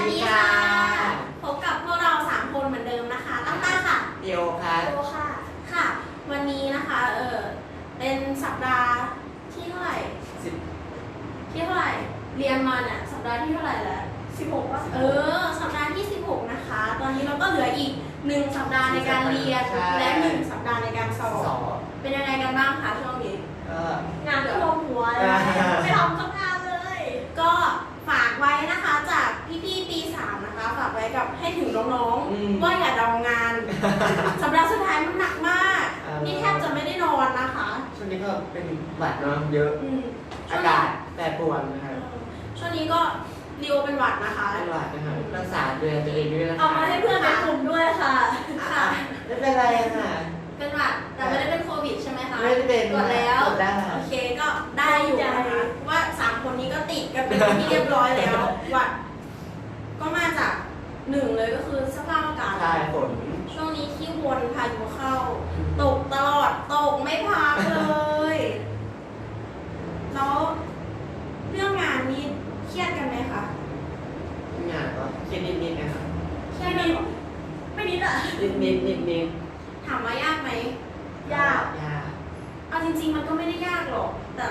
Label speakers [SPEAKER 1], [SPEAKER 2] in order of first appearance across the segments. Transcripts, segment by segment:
[SPEAKER 1] ดีค่ะพบกับพวกเรา3คนเหมือนเดิมนะคะตั้งต้าค่ะ
[SPEAKER 2] เดียวค่ะ
[SPEAKER 1] โตค่ะค่ะวันนี้นะคะเป็นสัปดาห์ที่เท่าไหร่ที่เท่าไหร่เรียนมาเนี่ยสัปดาห์ที่เท่าไหร่แล้ว16ป่ะสัปดาห์ที่16นะคะตอนนี้เราก็เหลืออีก1สัปดาห์ในการเรียนและ1สัปดาห์ในการสอบเป็นยังไงกันบ้างคะช่วงนี้งานท่วมหัวเลยไม่ทำสักงานเลยก็ฝากไว้นะคะจากพี่ๆปี3นะคะฝากไว้กับให้ถึงน้องๆว่าอย่าดองงานสัปดาห์สุดท้ายมันหนักมากนี่แทบจะไม่ได้นอนนะคะ
[SPEAKER 2] ช่วงนี้ก็เป็นหวัดเนาะเยอะอากาศแปรปรวนนะครับ
[SPEAKER 1] ช่วงนี้ก็ริวเป็นหวัดนะคะ
[SPEAKER 2] เป็นหวัดนะครับรักษาดูแลตัวเองด้วยนะคะ
[SPEAKER 1] เอามาให้เพื่อนในกลุ่มด้วยค่ะค่ะ
[SPEAKER 2] ไม่เป็นไรค่ะ
[SPEAKER 1] เป็นหวัดแต่ไม่ได้เป็นโควิดใช่ไหมคะ
[SPEAKER 2] ไม่ได้เป็น
[SPEAKER 1] ตรวจแล้วโอเคก็ได้อยู่นะคะว่า3คนนี้ก็ติดกันเป็นที่เรียบร้อยแล้วหวัดก็มาจาก1เลยก็คือสภาพอากาศ
[SPEAKER 2] ใช่ฝน
[SPEAKER 1] ช่วงนี้ที่วนพายุเข้าตกตลอดตกไม่พักเลยแล้วเรื่องงานนี้เครียดกันไหมคะ
[SPEAKER 2] งานก็เครียดนิดๆนะครับ
[SPEAKER 1] เครียดนิดไม่นิดอ่ะ
[SPEAKER 2] นิด
[SPEAKER 1] ถามว่ายากไหมยากเอาจริงๆมันก็ไม่ได้ยากหรอกแต่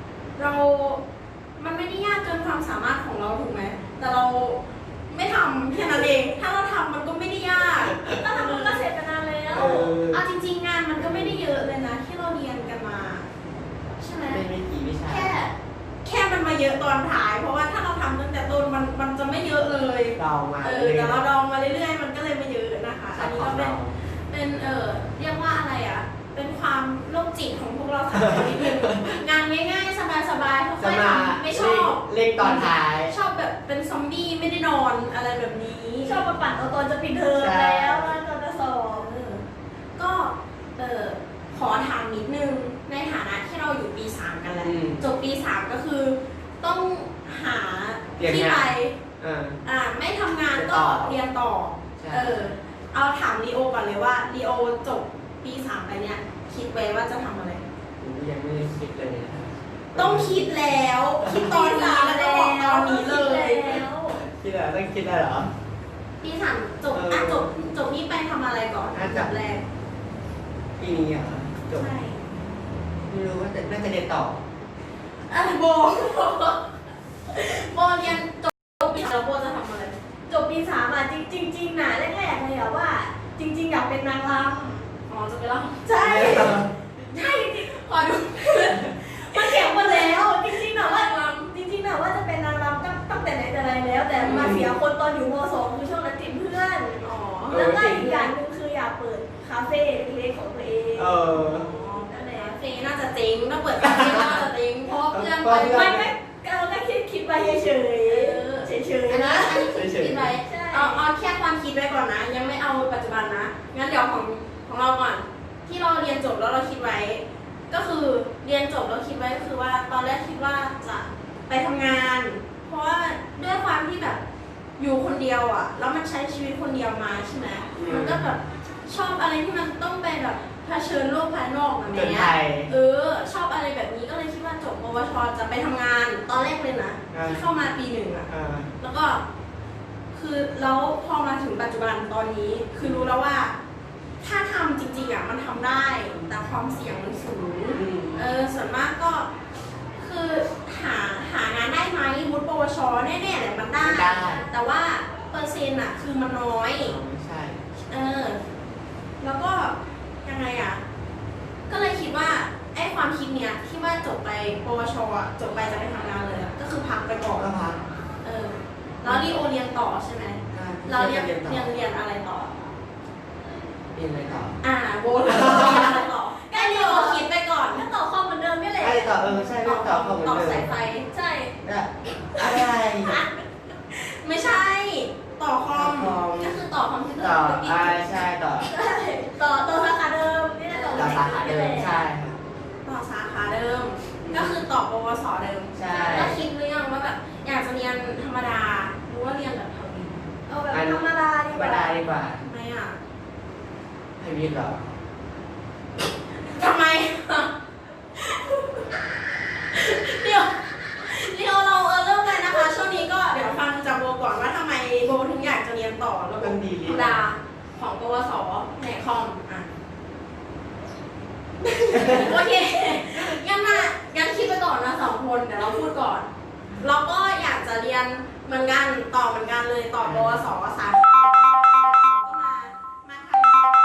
[SPEAKER 1] มันไม่ได้ยากเกินความสามารถของเราถูกไหมแต่เราไม่ทำแค่นั้นเองถ้าเราทำมันก็ไม่ได้ยากถ้าทำมันก็เสร็จไปนานแล้วเอาจริงๆงานมันก็ไม่ได้เยอะเลยนะที่เราเรียนกันมาใช่ไหม
[SPEAKER 2] ไม่กี่วิชา
[SPEAKER 1] แค่มันมาเยอะตอนท้ายเพราะว่าถ้าเราทำตั้งแต่ต้นมันจะไม่เยอะเลย
[SPEAKER 2] ดองมา
[SPEAKER 1] แต่เราดองมาเรื่อยๆมันก็เลยไม่เยอะนะคะอันนี้ก็เป็นเรียกว่าอะไรอ่ะเป็นความโรคจิตของพวกเราสามคนนิดนึงงานง่ายๆสบายๆค่อยๆทำไม่ชอบ
[SPEAKER 2] เล่นตอนท้าย
[SPEAKER 1] ชอบแบบเป็นซอมบี้ไม่ได้นอนอะไรแบบนี้ชอบมาปั่นตอนจะปิดเทอมแล้วตอนจะสอบก็ขอถามนิดนึงในฐานะที่เราอยู่ปี3กันแล้วจบปี3ก็คือต้องหาที่ไปไม่ทำงานก็เรียนต่อเอาถามลีโอก่อนเลยว่าลีโอจบปี3ไปเนี่ยคิดไว้ว่าจะทำอะไร
[SPEAKER 2] ยังไม่ได้คิดเลย
[SPEAKER 1] ต้องคิดแล้วคิดตอนนี้แล้วก็บอกตอนนี้เลย
[SPEAKER 2] คิดอะไรต้องคิดอะไรเหรอ
[SPEAKER 1] ปี3จบนี่ไปทำอะไรก่อนจบแรก
[SPEAKER 2] ปีนี้เหรอจบไม่รู้ว่าน่าจะเรียนต่อ
[SPEAKER 1] โบเรียนจบปี3โบจะทำอะไรจบปี3จริงนะแรกๆเลยว่าจริงอยากเป็นนางรำอ๋อจะไปรำใช่จริงขอดูมันเขียนมาแล้วจริงๆนะว่าจะเป็นนางรำตั้งแต่ไหนแต่ไรแล้วแต่มาเสียคนตอนอยู่ม.2คือช่วงนั้นติดเพื่อนแล้วก็อีกอย่างนึงคืออยากเปิดคาเฟ่เล็กๆของตัวเองนั่นแหละคาเฟ่น่าจะเจ๊งถ้าเปิดคาเฟ่น่าจะเจ๊งเพราะเพื่อนไปไม่เราก็คิดไปเฉยๆนะอันนี้คิดไปเอาแค่ความคิดไว้ก่อนนะยังไม่เอาปัจจุบันนะงั้นเดี๋ยวของเราก่อนที่เราเรียนจบแล้วเราคิดไว้ก็คือเรียนจบแล้วคิดไว้ก็คือว่าตอนแรกคิดว่าจะไปทำงานเพราะว่าด้วยความที่แบบอยู่คนเดียวอ่ะแล้วมันใช้ชีวิตคนเดียวมาใช่ไหมมันก็แบบชอบอะไรที่มันต้องไปแบบเผชิญโลกภายนอกแบบนี้ชอบอะไรแบบนี้ก็เลยคิดว่าจบปวชจะไปทำงานตอนแรกเลยนะที่เข้ามาปี1อ่ะแล้วก็คือแล้วพอมาถึงปัจจุบันตอนนี้คือรู้แล้วว่าถ้าทำจริงๆอ่ะมันทำได้แต่ความเสี่ยงมันสูงส่วนมากก็คือหางานได้ไหมวุฒิปวชแน่ๆแหละมันได้แต่ว่าเปอร์เซ็นต์อ่ะคือมันน้อย
[SPEAKER 2] ใช่
[SPEAKER 1] แล้วก็ยังไงอ่ะก็เลยคิดว่าไอ้ความคิดเนี้ยที่ว่าจบไปปวชอ่ะจบไปจะไปทำงานเลยก็คือพักไปก่อนแล้วรีโอเรียนต่อใช่ไหมเราเรียนอะไรต่อ
[SPEAKER 2] เรียนอะไรต่อ
[SPEAKER 1] โบเรียนอะไรต่อก็รีโอคิดไปก่อนก็ต่อคอมเหมือนเดิมไม่เลย
[SPEAKER 2] ต่อใช่ต่อคอมเหมือนเดิม
[SPEAKER 1] ต่อสายไฟใช่
[SPEAKER 2] อะไร
[SPEAKER 1] ไม่ใช่ต่อคอมก็คือต่อคอมพิวเตอร์
[SPEAKER 2] ใช่ต่อ
[SPEAKER 1] สาขาเดิมนี่แหละ
[SPEAKER 2] ต่อสาขาเดิมใช่
[SPEAKER 1] ต่อสาขาเดิมก็คือต่อปวสเดิม
[SPEAKER 2] ใช่
[SPEAKER 1] แล้วคิดหรือยังว่าแบบอยากจะเรียนธรรมดาหรือว่าเรียนแบบทวีเอาแบบธรรมดาดีกว่าทำไมอ่ะ
[SPEAKER 2] ให้วิทย์เหรอ
[SPEAKER 1] ทำไมเดี๋ยวเราเริ่มเลยนะคะช่วงนี้ก็เดี๋ยวฟังจากโบก่อนว่าทำไมโบดาของปวสแผนกคอมอ่ะ โอเคงั้นคิดไปก่อนนะ2 คนเดี๋ยวเราพูดก่อน เราก็อยากจะเรียนเหมือนกันต่อเหมือนกันเลยต่อปวสสาขาก็มาทำ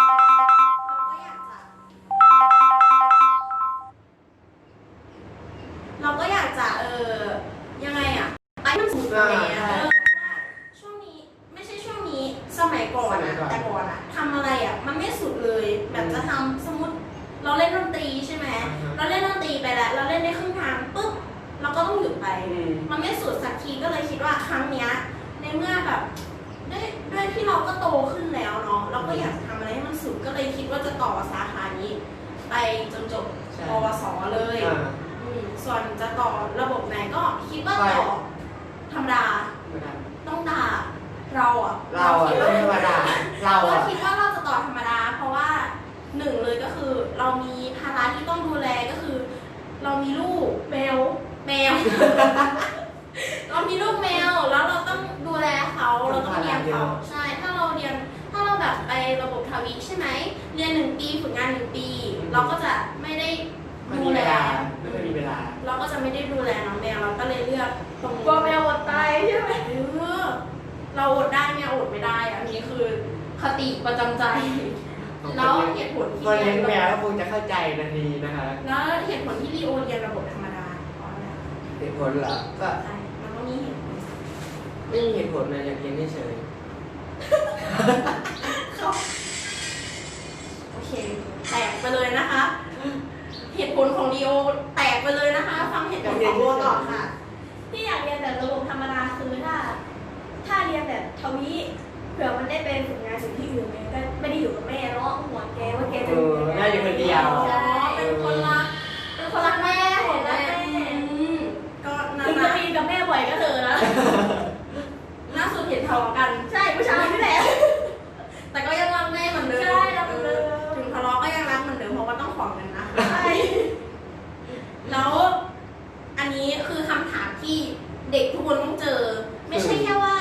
[SPEAKER 1] เราก็อยากจะยังไงอ่ะไอ้มันสุดเลยช่วงนี้ไม่ใช่ช่วงนี้สมัยก่อนอะแต่ก่อนอะทำอะไรอะมันไม่สุดเลยแบบจะทำสมมติเราเล่นดนตรีใช่ไหมเราเล่นดนตรีไปแล้วเราเล่นได้ครึ่งทางปุ๊บเราก็ต้องหยุดไปมันไม่สุดสักทีก็เลยคิดว่าครั้งเนี้ยในเมื่อแบบด้วยที่เราก็โตขึ้นแล้วเนาะเราก็อยากทำอะไรให้มันสุดก็เลยคิดว่าจะต่อสาขานี้ไปจนจบปวสเลยส่วนจะต่อระบบไหนก็คิดว่าต่อธรรมดาต้องด่าเราคิดว่าธรรมดาเราคิดว่าเราจะต่อธรรมดาเพราะว่า1เลยก็คือเรามีภาระที่ต้องดูแลก็คือ เรามีลูกแมว เรามีลูกแมวแล้วเราต้องดูแลเขาเราต้องเลี้ยงเขาใช่ถ้าเราแบบไประบบทวีใช่ไหมเรียน1 ปีฝึกงาน1 ปีเราก็จะไม่ได้ดูแล
[SPEAKER 2] ไม่มีเวลา
[SPEAKER 1] เราก็จะไม่ได้ดูแลน้องแมวเราก็เลยเลือกตรง
[SPEAKER 3] กลัวแมวอดตายใช่ไหม
[SPEAKER 1] เราอดได้แมวอดไม่ได้อันนี้คือคติประจำใจแล้วเหตุผลที่
[SPEAKER 2] เรียนแมวก็คงจะเข้าใจนาทีนะคะ
[SPEAKER 1] แล้วเหตุผลที่ลีโอเรียนระบบธรรมดาเพราะอะไร
[SPEAKER 2] เหตุผลเหรอก็
[SPEAKER 1] ใช่มันต้องมีเหตุผล
[SPEAKER 2] ไม่มีเหตุผลนะอยากเรียนเฉย
[SPEAKER 1] โอเคแตกไปเลยนะคะเหตุผลของลีโอแตกไปเลยนะคะฟังเหตุผลของโบต่อค่ะ
[SPEAKER 3] ที่อยากเรียนแบบระบบธรรมดาคือถ้าเรียนแบบทวีเผื่อมันได้เป็นฝึกงานสิ่งที่อื่นเลยก็ไม่ได้อยู่กับแม่เนาะห่วงแกว่าแกจะอยู่ยังไง
[SPEAKER 2] น่าอยู่คนเดียว
[SPEAKER 1] ใช่เป็นคนรักแม่ของแม่ก็
[SPEAKER 3] ถึงจะมีกับแม่บ่อยก็เถอะนะ
[SPEAKER 1] ล่าสุดเห็นทะเลาะกัน
[SPEAKER 3] ใช่ผู้ชายนี่แหละ
[SPEAKER 1] แต่ก็ยังรักแม่เหมือนเดิม
[SPEAKER 3] ใช่รักเหมือนเดิม
[SPEAKER 1] ถึงทะเลาะก็ยังรักเหมือนเดิมเพราะว่าต้องขอเงินนะใช่แล้วอันนี้คือคำถามที่เด็กทุกคนต้องเจอไม่ใช่แค่ว่า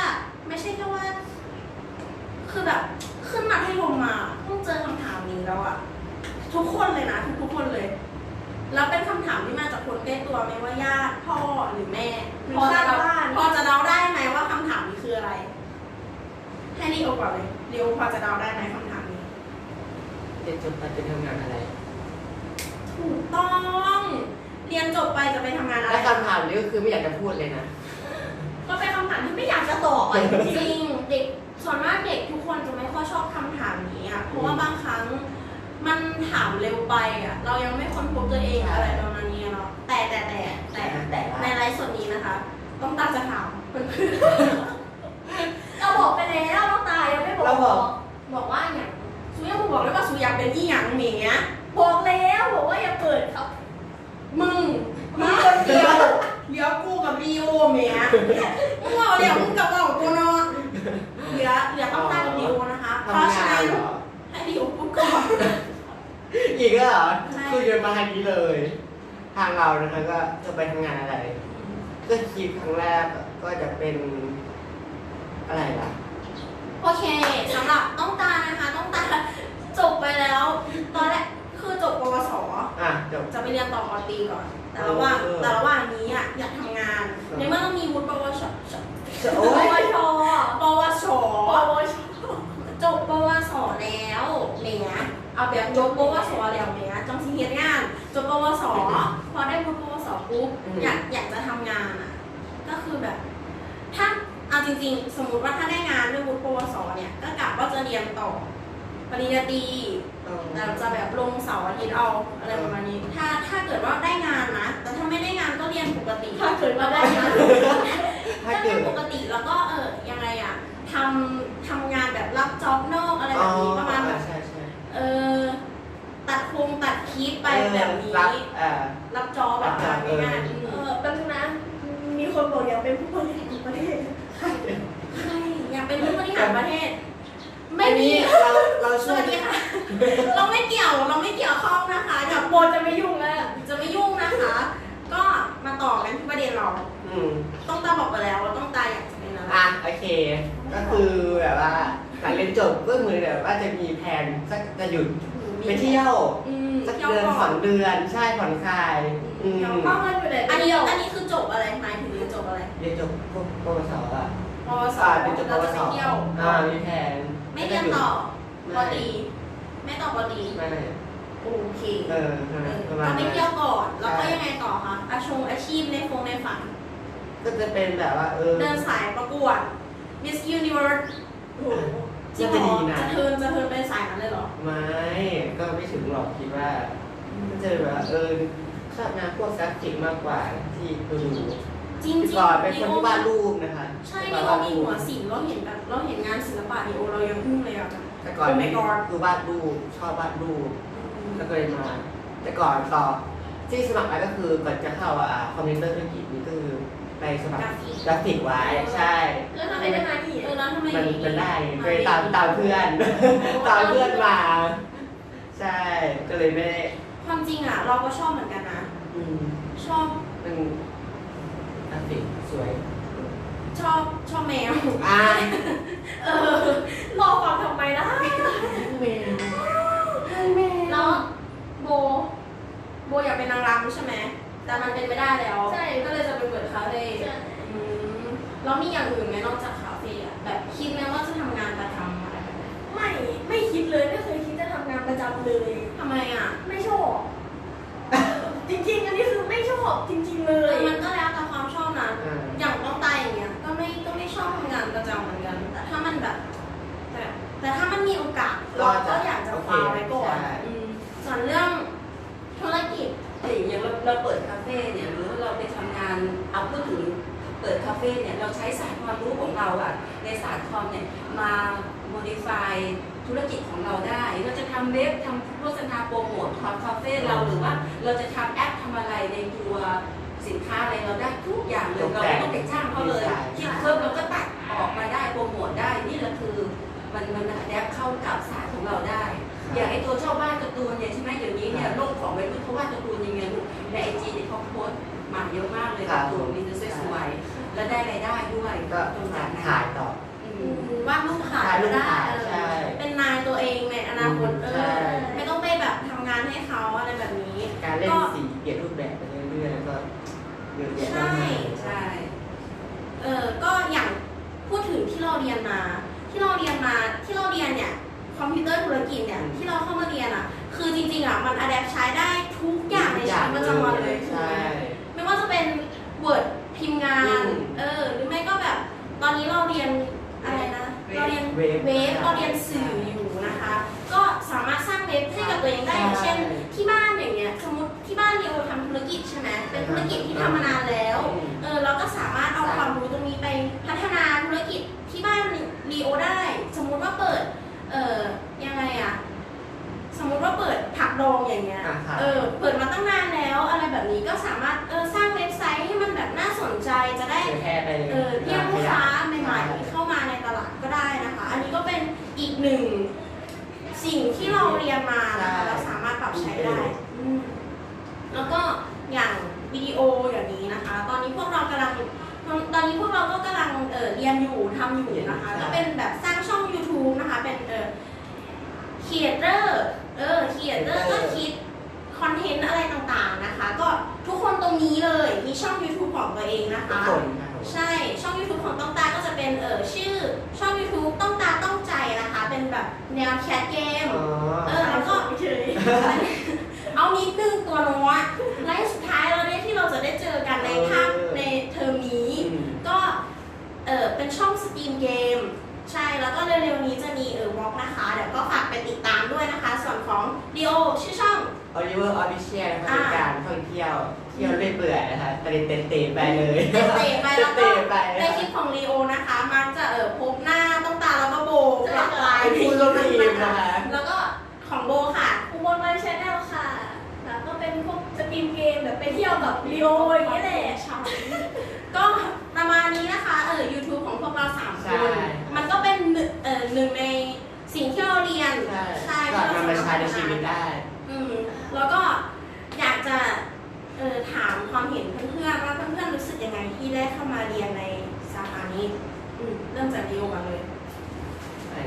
[SPEAKER 1] คือแบบขึ้นมาให้ลงมาต้องเจอคำถามนี้แล้วอะทุกคนเลยนะทุกคนเลยแล้วเป็นคำถามที่มาจากคนใกล้ตัวไม่ว่าญาติพ่อหรือแม่พอจะเดาได้ไหมว่าคำถามนี้คืออะไรให้ลีโอก่อนเลยลีโอพอจะเดาได้ไหมคำถามนี้
[SPEAKER 2] เรียนจบไปจะทำงานอะไร
[SPEAKER 1] ถูกต้องเรียนจบไปจะไปทำงานอะไร
[SPEAKER 2] และคำถามนี้ก็คือไม่อยากจะพูดเลยนะ
[SPEAKER 1] ก็เป็นคำถามที่ไม่อยากจะตอบจริงเด็กส่วนมากเด็กทุกคนจะไม่ค่อยชอบคำถามนี้อ่ะเพราะว่าบางครั้งมันถามเร็วไปอ่ะเรายังไม่ค้นพบตัวเองอะไรประมาณนี้เนาะแต่ในไลฟ์สดนี้นะคะต้องตาจะถามเพื่อน
[SPEAKER 3] เราบอกไปแล้วน้องตายังไม่
[SPEAKER 1] บอกว่าอย่างซูยังบอกเลยว่าซูอยากเป็นอีหยังเนี้ย
[SPEAKER 3] บอกแล้วบอกว่าอย่าเปิดครับ
[SPEAKER 1] มึงคนเดียวเดี๋ยวกูกับลีโอเมียมึงเอาเดี๋ยวมึงกับเรากูเนาะเหลือต้องตากับลีโอนะคะเพราะฉะนั้นให้ลีโอพูดก่อน
[SPEAKER 2] อีกแล้วเหรอคือเดินมาทางนี้เลยทางเรานะคะก็จะไปทำงานอะไรก็คิดครั้งแรกก็จะเป็นอะไรล่ะ
[SPEAKER 1] โอเคสำหรับต้องตานะคะต้องตาจบไปแล้วตอนแรกคือจบปวสจะไปเรียนต่อปตรีก่อนแต่ระหว่างนี้อ่ะอยากทำงานในเมื่อต้องมีวุฒิปวชจบปวสแล้วเนี่ยเอาแบบจบปวสแล้วเนี่ยจังสิเฮ็ดงานจบปวสพอได้วุฒิปวสปุ๊บอยากจะทำงานอ่ะก็คือแบบถ้าเอาจริงๆสมมุติว่าถ้าได้งานด้วยวุฒิปวสเนี่ยก็กะว่าจะเรียนต่อปริญญาตรีแต่จะแบบลงเสาร์อาทิตย์เอาอะไรประมาณนี้ถ้าเกิดว่าได้งานนะแต่ถ้าไม่ได้งานก็เรียนปกติ
[SPEAKER 3] ถ้าเกิดว่าได้งาน
[SPEAKER 1] ก็เรียนปกติแล้วก็ยังไงอ่ะทำงานแบบรับจ็อบนอกอะไรแบบนี้ประมาณแบบตัดคลิปไปแบบนี้รับจ็อบแบบง่าย
[SPEAKER 3] ๆเป็นนะมีคนบอกอยากเป็นผู้บริหารประเทศ
[SPEAKER 1] ใครอยากเป็นผู้บริหารประเทศ
[SPEAKER 2] ไม่มีเราช่วย
[SPEAKER 1] ค่ะเราไม่เกี่ยวข้องนะคะ
[SPEAKER 3] กับโบจะไม่ยุ่งแล้ว
[SPEAKER 1] จะไม่ยุ่งนะคะ ก็มาต่อกันที่ประเด็นเราต้องตาบอกไปแล้วว่าต้องตาอยากจะเป็นอะไร
[SPEAKER 2] โอเคก็คือแบบว่าหลังเรียนจบก็เหมือนแบบว่าจะมีแผนสักจะหยุดไปเที่ยวสักเดือน2 เดือนใช่ผ่อนคลาย
[SPEAKER 3] เพราะมันอยู่ไหน
[SPEAKER 1] อันนี้คือจบอะไรหมายถึงเรียนจบอะไร
[SPEAKER 2] เรียนจบพวกปวสอ่ะ
[SPEAKER 1] ปวส
[SPEAKER 2] เรียนจบปวส
[SPEAKER 1] เที่ยว
[SPEAKER 2] มีแผน
[SPEAKER 1] ไม่เรียนต่อปตรีไม่ต่อปตรี
[SPEAKER 2] ไม่
[SPEAKER 1] โอเค
[SPEAKER 2] ประมา
[SPEAKER 1] ก็
[SPEAKER 2] ณ
[SPEAKER 1] ไป
[SPEAKER 2] นั้น
[SPEAKER 1] เที่ยวก่อน แล้วก็ยังไงต่อคะอาชีพในฝัน
[SPEAKER 2] ก็จะเป็นแบบว่า
[SPEAKER 1] เดินสายประกวด Miss Universe โอ้โหจริงเหรอจะเทินไปสายนั้นเลยเหรอ
[SPEAKER 2] ไม่ก็ไม่ถึงหรอกคิดว่าก็จะแบบว่าชอบงานพวกกราฟิกมากกว่าที่ดู
[SPEAKER 1] จริง
[SPEAKER 2] ก่อนเป็นคนที่วาดรูปนะคะ
[SPEAKER 1] ใช่เรามีหัวศิลป์เราเห็นงานศิลปะเรายังอึ้งเลยอ่ะ
[SPEAKER 2] แต่ก่อนคือวาดรูปชอบวาดรูปแล้วก็เลยมาแต่ก่อนต่อที่สมัครไปก็คือก่อนจะเข้าคอมพิวเตอร์ธุรกิจนี่ก็คือไปสมัครกราฟิกไว้ใช่
[SPEAKER 3] แล้วทำไมได้มาที่
[SPEAKER 1] แล้วทำไม
[SPEAKER 2] มันได้ไปตามเพื่อนตามเพื่อนมาใช่ก็เลยไม่ได้
[SPEAKER 1] ความจริงอ่ะเราก็ชอบเหมือนกันนะชอบ
[SPEAKER 2] เป็นกราฟิกสวย
[SPEAKER 1] ชอบแมว
[SPEAKER 3] รอฟังทำไมนะ
[SPEAKER 2] แมว
[SPEAKER 1] แล้วโบอยากเป็นนางรำใช่ไหมแต่มันเป็นไม่ได้แล้ว
[SPEAKER 3] ใช่
[SPEAKER 1] ก็เลยจะไปเปิดคาเฟ่แล้วมีอย่างอื่นไหมนอกจากคาเฟ่อะแบบคิดไหมว่าจะทำงานประจำอะไรแบบนี้
[SPEAKER 3] ไม่คิดเลยไม่เคยคิดจะทำงานประจำเลย
[SPEAKER 1] ทำไมอ่ะ
[SPEAKER 3] ไม่ชอบจริงๆอันนี้คือไม่ชอบจริงๆเลย
[SPEAKER 1] มันก็แล้วแต่ความชอบนะอย่างต้องตายอย่างเงี้ยก็ไม่ชอบทำงานประจำเหมือนกันแต่ถ้ามันแบบแต่ถ้ามันมีโอกาสเราก็อยากจะคว้าไว้ก่อนส่วนเรื่องธุรกิจ
[SPEAKER 4] อย่างเราเปิดคาเฟ่เนี่ยหรือเราไปทำงานเอาพูดถึงเปิดคาเฟ่เนี่ยเราใช้ศาสตร์ความรู้ของเราอะในศาสตร์คอมเนี่ยมา modify ธุรกิจของเราได้เราจะทำเว็บทำโฆษณาโปรโมทคาเฟ่เราหรือว่าเราจะทำแอปทำอะไรในตัวสินค้าอะไรเราได้ทุกอย่างเลยเราไม่ต้องไปจ้างเขาเลยคิดเพิ่มเราก็ตัดออกมาได้โปรโมทได้นี่แหละคือมันแอปเข้ากับศาสตร์ของเราได้อย่างไอตัวชอบวาดการ์ตูนเนี่ยใช่ไหมเดี๋ยวนี้เนี่ยโลกของวัยรุ่นเขาวาดการ์ตูนยังไงลูกในไอจีเนี่ยเขาโพสต์มาเยอะมากเลยการ์ตูนมีแต่สวยๆและได้รายได้ด้วย
[SPEAKER 2] ก็ตรงจากขายต่อ
[SPEAKER 1] วาดรูปขายก็ได้เป็นนายตัวเองในอนาคตไม่ต้องไปแบบทำงานให้เขาอะไรแบบนี้
[SPEAKER 2] การเล่นสีเปลี่ยนรูปแบบไปเรื่อยๆก็เยอะแยะ
[SPEAKER 1] ใช่ก็อย่างพูดถึงที่เราเรียนเนี่ยคอมพิวเตอร์ธุรกิจเนี่ยที่เราเข้ามาเรียนอ่ะคือจริงๆอ่ะมันอะแดปใช้ได้ทุกอย่างในชีวิตประจำวันเลยไม่ว่าจะเป็น Word พิมพ์งานหรือไม่ก็แบบตอนนี้เราเรียนอะไรนะเราเรียนเว็บเราเรียนสื่ออยู่นะคะก็สามารถสร้างเว็บให้กับตัวเองได้อย่างเช่นที่บ้านอย่างเงี้ยสมมติที่บ้านเราทำธุรกิจใช่ไหมเป็นธุรกิจที่ทำมานานแล้วเราก็สามารถเอาความรู้ตรงนี้ไปพัฒนาธุรกิจที่บ้านรีโอได้สมมุติว่าเปิดยังไงอะสมมุติว่าเปิดผักดองอย่างเงี้ยเปิดมาตั้งนานแล้วอะไรแบบนี้ก็สามารถสร้างเว็บไซต์ให้มันแบบน่าสนใจจะได้เรียกลูกค้าใหม่ๆเข้ามาในตลาดก็ได้นะคะอันนี้ก็เป็นอีกหนึ่งสิ่งที่เราเรียนมานะคะเราสามารถปรับใช้ได้แล้วก็อย่างวิดีโออย่างนี้นะคะตอนนี้พวกเราก็กำลังเรียนอยู่ทำอยู่นะคะก็เป็นแบบสร้างช่อง YouTube นะคะเป็นcreator ก็คิดคอนเทนต์อะไรต่างๆนะคะก็ทุกคนตรงนี้เลยมีช่อง YouTube ของตัวเองนะคะใช่ช่อง YouTube ของต้องตาก็จะเป็นชื่อช่อง YouTube ต้องตาต้องใจนะคะเป็นแบบแนวแคสเกมแล้วก็เอานิดนึงตัวน้อยไลฟ์สุดท้ายเราเนี่ยที่เราจะได้เจอกันในเทอมนี้ก็เป็นช่องสตรีมเกมใช่แล้วก็เร็วๆนี้จะมีวอล์กนะคะเดี๋ยวก็ฝากไปติดตามด้วยนะคะส่วนของดีโอชื่อช่อง
[SPEAKER 2] Oliver Official นะคะเป็นการท่องเที่ยวเรื่อยเปื่อยนะคะเตะไปเลย
[SPEAKER 1] เตะไปแล้วก็ในคลิปของลีโอนะคะมักจะพบหน้าต้องตาแล้วก็โบหลากหลาย
[SPEAKER 2] ผู้ร่วมทีมนะคะ
[SPEAKER 1] แล้วก็ของโบค่ะ
[SPEAKER 3] อุบลวันแชนแนลค่ะแล้วก็เป็นพวกสตรีมเกมแบบไปเที่ยวกับลีโออย่างนี้แหละ
[SPEAKER 1] ก็ประมาณนี้นะคะYouTube ของพวกเรา3คนมันก็เป็นหนึ่งในสิ่งที่เราเรียน
[SPEAKER 2] ใช่ก็นำมาใช้ในชีวิตได้
[SPEAKER 1] แล้วก็อยากจะถามความเห็นเพื่อนๆว่าเพื่อนๆรู้สึกยังไงที่ได้เข้ามาเรียนในสาขานี้เริ่มจากดีโอกันเลย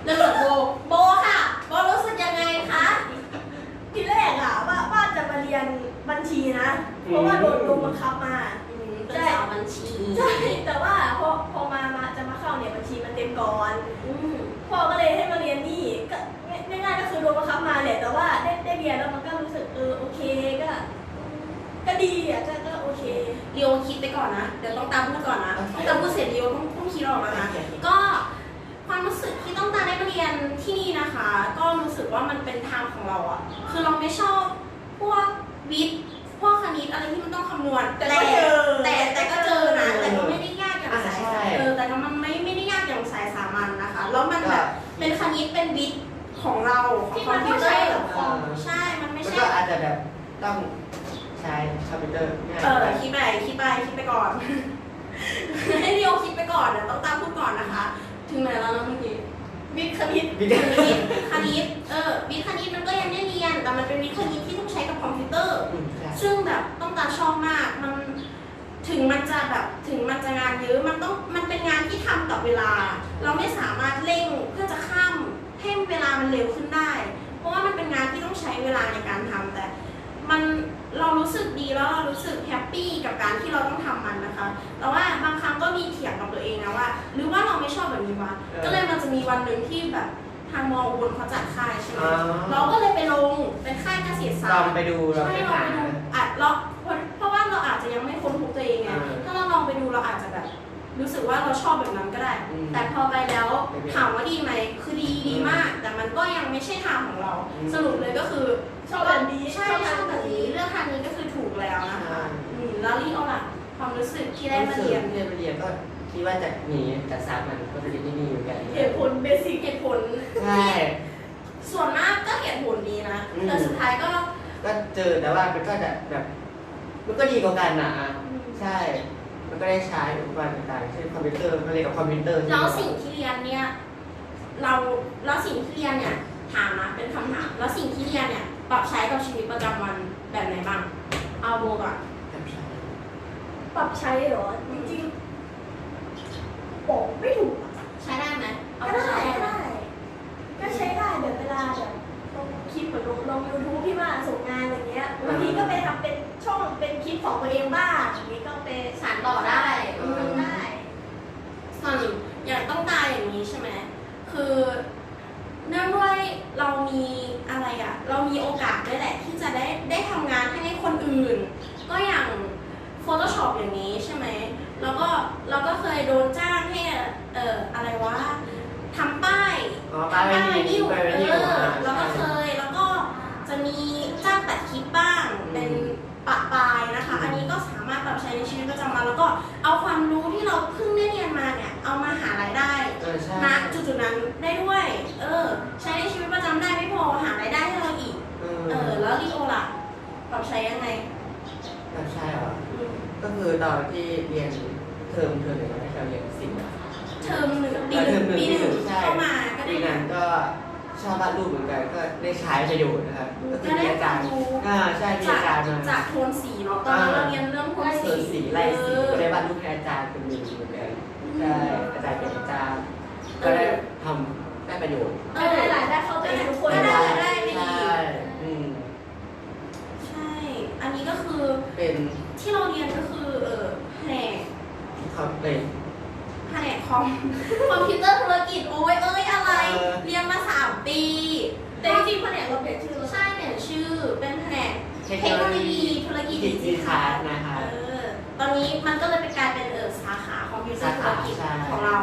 [SPEAKER 4] เริ่มจากโบ
[SPEAKER 3] โบค่ะโบรู้สึกยังไงคะทีแรกอะว่าจะมาเรียนบัญชีนะ เพราะว่าโดนบังคับมา
[SPEAKER 4] เป็นสาวบัญชี
[SPEAKER 3] ใช่แต่ว่าพอมาจะมาเข้าเนี่ยบัญชีมันเต็มก่อน
[SPEAKER 4] อืม
[SPEAKER 3] พ่อก็เลยให้มาเรียนนี่ก็ง่ายๆก็คือโดนบังคับมาแหละแต่ว่าได้เรียนแล้วมันก็รู้สึกโอเคก็ดีอ่ะก็โอเค
[SPEAKER 4] เรียวคิดไปก่อนนะ เดี๋ยวต้องตามพูดก่อนนะต้องตามพูดเสร็จเรียวต้องคิดออกแล้วนะ ก็ความรู้สึกที่ต้องการได้มาเรียนที่นี่นะคะ ก็รู้สึกว่ามันเป็นทางของเราอะคือเราไม่ชอบพวกวิทย์พวกคณิตอะไรที่มันต้องคำนวณ
[SPEAKER 3] แต่ก็เจอ
[SPEAKER 4] แต่ก็เจอนะแต่ก็ไม่ได้ยากอย่างสายแต่ก็มันไม่ได้ยากอย่างสายสามัญนะคะแล้วมันแบบเป็นคณิตเป็นวิทย์ของเราของ
[SPEAKER 3] ที่
[SPEAKER 4] คอ
[SPEAKER 3] มั
[SPEAKER 4] ม
[SPEAKER 3] น
[SPEAKER 4] พิ
[SPEAKER 3] ต้
[SPEAKER 4] ว
[SPEAKER 3] อง
[SPEAKER 4] เตอ
[SPEAKER 3] ใช้
[SPEAKER 4] ร์
[SPEAKER 3] กับคอม
[SPEAKER 4] ใช่มันไม่
[SPEAKER 2] มัน
[SPEAKER 4] ใช่
[SPEAKER 2] ก็อาจจะแบบต้องใช้คอมพิวเตอร์ง่าย
[SPEAKER 4] คิดไปก่อน ให้เรียวคิดไปก่อนนะต้องตามพูดก่อนนะคะ ถึงไหนแล้วนะเมื่อกี้
[SPEAKER 3] วิทย์คณิต
[SPEAKER 2] วิท
[SPEAKER 4] วิ
[SPEAKER 2] ย์
[SPEAKER 4] ทย์คณิตวิทย์คณิตมันก็ยังได้เรียนแต่มันเป็นวิทย์คณิตที่ต้องใช้กับคอมพิวเตอร์
[SPEAKER 2] ใช่
[SPEAKER 4] ซึ่งแบบต้องตาชอบมากมันถึงมันจะงานเยอะมันเป็นงานที่ทำกับเวลา เราไม่สามารถเร่งเพื่อจะข้ามให้เวลามันเร็วขึ้นได้ เพราะว่ามันเป็นงานที่ต้องใช้เวลาในการทำแต่เรารู้สึกดีแล้วเรารู้สึกแฮปปี้กับการที่เราต้องทำมันนะคะ แต่ว่าบางครั้งก็มีเถียงกับตัวเองนะว่า หรือว่าเราไม่ชอบแบบนี้วะก็เลยมันจะมีวันหนึ่งที่แบบทางมออุบลเขาจัดค่ายใช่ไหมเราก็เลยไปลงเป็นค่ายเกษตรศา
[SPEAKER 2] ล
[SPEAKER 4] ส
[SPEAKER 2] อ
[SPEAKER 4] ต
[SPEAKER 2] ง
[SPEAKER 4] ร์
[SPEAKER 2] ไปดูเรา
[SPEAKER 4] ใช่
[SPEAKER 2] ไป
[SPEAKER 4] เรา
[SPEAKER 2] หา
[SPEAKER 4] ไปดูเพราะว่าเราอาจจะยังไม่ค้นพบตัวเองไงถ้าเราลองไปดูเราอาจจะแบบรู้สึกว่าเราชอบแบบนั้นก็ได้ แต่พอไปแล้วถามว่าดีไหมคือดีมาก แต่มันก็ยังไม่ใช่ทางของเรา สรุปเลยก็คือ
[SPEAKER 3] ชอบแบบนี้
[SPEAKER 4] ใช่ชอบแบบนี้เลือกทางนี้ก็คือถูกแล้วนะคะแล้วลี่เอาล่ะความรู้สึกที่ได้มาเรียน
[SPEAKER 2] ที่ได้มาเรียนก็คิดว่าจะหนีจากสามัญก็จะเรียนที่นี่เหมือนกัน
[SPEAKER 3] เหตุผลเบสิก
[SPEAKER 4] เหตุผล
[SPEAKER 2] ใช่
[SPEAKER 4] ส่วนมากก็เหตุผลดีนะแต่สุดท้ายก็
[SPEAKER 2] ก็เจอแต่ว่ามันก็จะแบบมันก็ดีกว่ากันนะใช่ มันก็ได้ใช้อุปกรณ์ต่างๆเช่นคอมพิวเตอร์มาเรียนกับคอมพิวเตอร์
[SPEAKER 4] แล้วสิ่งที่เรียนเนี่ยแล้วสิ่งที่เรียนเนี่ยถามนะเป็นคำถามแล้วสิ่งที่เรียนเนี่ยปรับใช้กับชีวิตประจำวันแบบไหนบ้างเอาโบก่อน
[SPEAKER 3] ปรับใช้เหรอจริงๆบอกไม่ถูกอะ
[SPEAKER 4] ใช้ได้ไหมเอา
[SPEAKER 3] ก็
[SPEAKER 4] ไปใช้
[SPEAKER 3] ได้
[SPEAKER 4] ได้ไหม
[SPEAKER 3] ก็ใช้ได้แบบเวลาแบบลงคลิปเหมือนลง YouTube ที่ว่าส่งงานอะไรเงี้ยบางทีก็ไปทำเป็นช่องเป็นคลิปของตัวเองบ้างอย่างนี้ก็ไป
[SPEAKER 4] สานต่อได้
[SPEAKER 3] ทำได้
[SPEAKER 4] ส่วนอย่างต้องตายอย่างนี้ใช่ไหมคือเนื่องด้วยเรามีอะไรอะเรามีโอกาสด้วยแหละที่จะได้ทำงานให้คนอื่น ก็อย่าง Photoshop อย่างนี้ใช่ไหมแล้วก็เราก็เคยโดนจ้างให้อะไรวะทำป้าย
[SPEAKER 2] ป้ายไวนิล
[SPEAKER 4] แล้วก็เคยแล้วก็จะมีจ้างตัดคลิปบ้างเป็นปะปลายนะคะ อันนี้ก็สามารถปรับใช้ในชีวิตประจำวันแล้วก็เอาความรู้ที่เราเพิ่งได้เรียนมาเนี่ยเอามาหารายได้ณจุดๆนั้นได้ด้วยใช้ในชีวิตประจำได้ไม่พอหารายได้ให้เราอีกแล้วลีโอล่ะปรับใช้ยังไง
[SPEAKER 2] ใช่เหรอก็คือตอนที่เรียนเทอมหนึ่งเราได้เรียนศิลป์
[SPEAKER 4] เทอมหนึ่งปีหนึ่งเข้ามาก็ได้
[SPEAKER 2] ปีนั้นก็ชอบวาดรูปเหมือนกันก็ได้ใช้ประโยชน์นะครับก็คือมีอาจารย์ใช่มีอาจารย์มา
[SPEAKER 4] จากโทนสีเนาะตอนนั้นเราเรียนเรื่องโทนสี
[SPEAKER 2] ไล่สีก็ได้วาดรูปให้อาจารย์เป็นมือเหมือนกันใช่อาจารย์เป็นอาจารย์ก็ได้ทำได้ประโยชน์
[SPEAKER 3] ได้รายได้เข้าตัวเองทุกคน
[SPEAKER 4] ได้ไม่ดี
[SPEAKER 2] ใช่
[SPEAKER 4] ใช่ อันนี้ก็คือ
[SPEAKER 2] เป็น
[SPEAKER 4] ที่เราเรียนก็คือแผนก
[SPEAKER 2] เขาเป็น
[SPEAKER 4] คอมพิวเตอร์ธุรกิจโอ้ยอะไร เรียนมา3 ปี
[SPEAKER 3] แต่จริงๆแผนกเราเปลี่ยนชื่อ
[SPEAKER 4] ใช่เปลี่ยนชื่อเป็นแผนกเทคโนโลยีธุรกิจดิจิทัล
[SPEAKER 2] นะคะ
[SPEAKER 4] ตอนนี้มันก็เลยเป็นกลายเป็นสาขาคอมพิวเตอร์ธุรกิจของเรา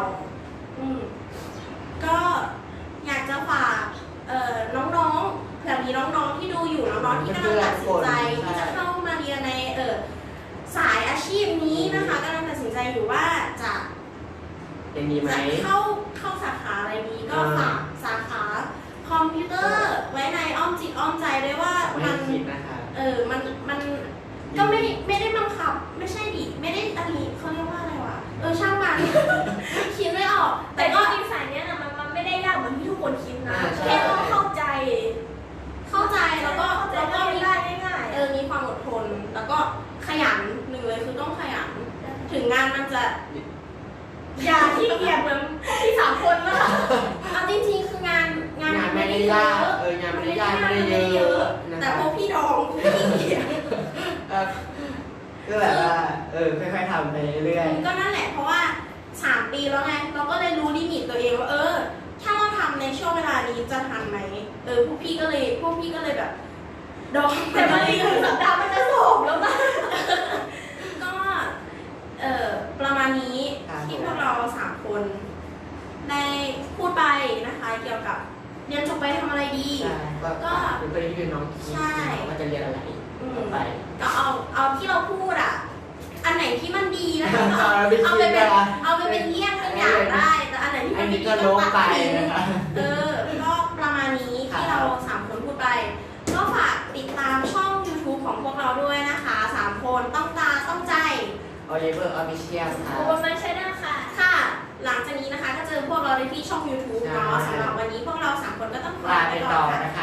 [SPEAKER 4] ก็อยากจะฝากน้องๆเผื่อมีน้องๆที่ดูอยู่น้องๆที่กำลังตัดสินใจที่จะเข้ามาเรียนในสายอาชีพนี้นะคะกำลังตัดสินใจอยู่ว่าจะ
[SPEAKER 2] ยังมีไหม
[SPEAKER 4] เข้าสาขาอะไรนี้ก็ฝากสาขาคอมพิวเตอร์ไว้ในอ้อมจิตอ้อมใจด้วยว่ามันมันก็ไม่ได้บังคับไม่ใช่ดิไม่ได้อันนี้เขาเรียกว่าอะไรวะช่างมันคิดไม่ออก
[SPEAKER 3] แต่
[SPEAKER 4] แต่
[SPEAKER 3] ก็
[SPEAKER 4] ก็
[SPEAKER 3] จริงสายเนี้ยนะมันไม่ได้ยากเหมือนที่ทุกคนคิดนะแค่ต้องเข้าใจ
[SPEAKER 4] แล้วก็มี
[SPEAKER 3] ได้ง่าย
[SPEAKER 4] มีความอดทนแล้วก็ขยันหนึ่งเลยคือต้องขยันถึงงานมันจะ
[SPEAKER 3] อย่าที่เกียจเหมือนพวกที่3 คนนะคะ
[SPEAKER 4] เอาจริงๆคือง
[SPEAKER 2] งานไม่ได้ยากงานไม่ได้ยากไม่ได้เยอะนะ
[SPEAKER 1] แต่
[SPEAKER 2] คะ
[SPEAKER 1] พวกพี่ดองพี่เกียจ
[SPEAKER 2] ก็แบบว่าค่อยๆทำไปเรื่อย
[SPEAKER 1] ก็นั่นแหละเพราะว่า3 ปีแล้วไงเราก็เลยรู้ลิมิตตัวเองว่าถ้าเราทำในช่วงเวลานี้จะทันไหมพวกพี่ก็เลยแบบดอง
[SPEAKER 3] แต่บางทีคือสัปดาห์มันจะสอบแล้วนะ
[SPEAKER 1] ก็ประมาณนี้ที่พวกเรา3 คนได้พูดไปนะคะเกี่ยวกับเรียนจบไปทำอะไรดี
[SPEAKER 2] ใช่ก็เป็นเพื่อนที่เป็นน้องคิดว่าจะเรียนอะไรต่อไป
[SPEAKER 1] ก็เอาที่เราพูดอันไหนที่มันดีนะคะ
[SPEAKER 2] เอาไปคิด
[SPEAKER 1] เอาไปเป็นเยี่ยงเป็นอย่างได้ แต่อันไหนที่
[SPEAKER 2] อั
[SPEAKER 1] มัน น
[SPEAKER 2] นี้
[SPEAKER 1] ดี
[SPEAKER 2] ก็
[SPEAKER 1] ก็
[SPEAKER 2] โล
[SPEAKER 1] ตัด
[SPEAKER 2] ไป
[SPEAKER 1] ทิ้ง
[SPEAKER 2] นะคะ
[SPEAKER 1] ก็ประมาณนี้ที่เรา3 คนพูดไป ก็ฝากติดตามช่อง YouTube ของพวกเราด้วยนะคะ3 คนต้องตาต้องใจ
[SPEAKER 2] Oliver Official ค่ะ
[SPEAKER 3] โอ้ไม่ใช่ได้ค่ะ
[SPEAKER 1] ค่ะ หลังจากนี้นะคะก็เจอพวกเราในที่ช่อง YouTube เนาะ
[SPEAKER 2] ใช่
[SPEAKER 1] สำหรับวันนี้พวกเรา3 คนก็ต้อง
[SPEAKER 2] ลาไปต่อนะคะ